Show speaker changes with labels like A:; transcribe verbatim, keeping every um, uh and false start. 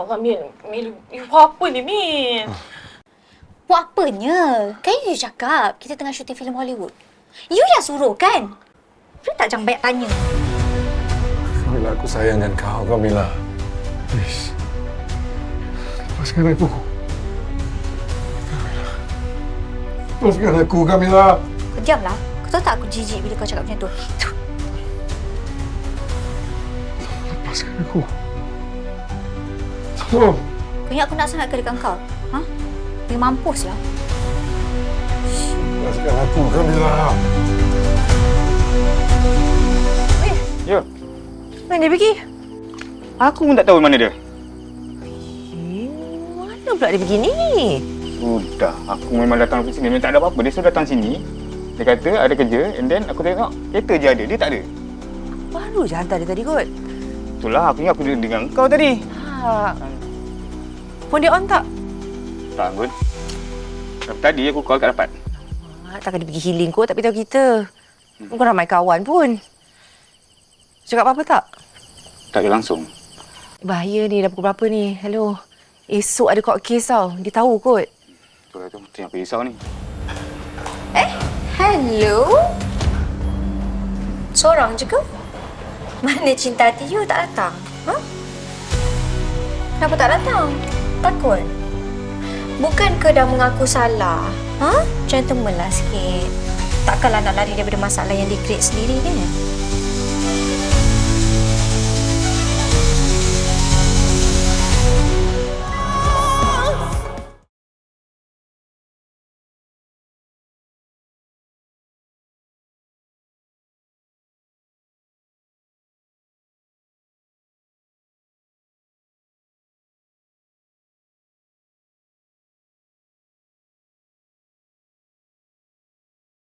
A: Allah, Min. Min, you buat apa ni, Min?
B: Buat apanya? Kan you cakap kita tengah syuting filem Hollywood. You yang suruh kan? You tak jangan banyak tanya.
C: Kamila, aku sayangkan kau, Kamila. Please. Lepaskan aku. Kamila. Lepaskan aku, Kamila.
B: Kau diamlah. Kau tahu tak aku jijik bila kau cakap macam tu?
C: Lepaskan aku. Tolong.
B: Kau ingat aku nak sangat ke dekat kau? Ha? Dia mampus lah.
C: Lepaskan aku, Kamila.
B: Weh.
D: Ya.
A: Mana dia pergi?
D: Aku pun tak tahu mana dia.
A: Eh, mana pula dia pergi ni?
D: Sudah, aku memang datang ke sini. Memang tak ada apa-apa. Dia sudah datang sini. Dia kata ada kerja and then aku tengok kereta je ada. Dia tak ada.
A: Baru je hantar dia tadi kot.
D: Itulah aku ingat aku duduk dengan kau tadi.
A: Ha. Phone dia on tak?
D: Tak kot. Tapi tadi aku call tak dapat.
A: Ha, takkan dia pergi healing kot, tak beritahu kita. Bukan ramai kawan pun. Cakap apa-apa tak?
D: Tak ada langsung.
A: Bahaya ni, dah pukul berapa ni? Hello. Esok ada court case tau. Dia tahu kot.
D: Itulah tu, tu yang aku risau ni.
B: Eh, hello? Seorang je ke? Mana cinta hati you tak datang? Ha? Kenapa tak datang? Takut? Bukan ke dah mengaku salah? Ha? Gentleman lah sikit. Takkanlah nak lari daripada masalah yang dia create sendiri kan?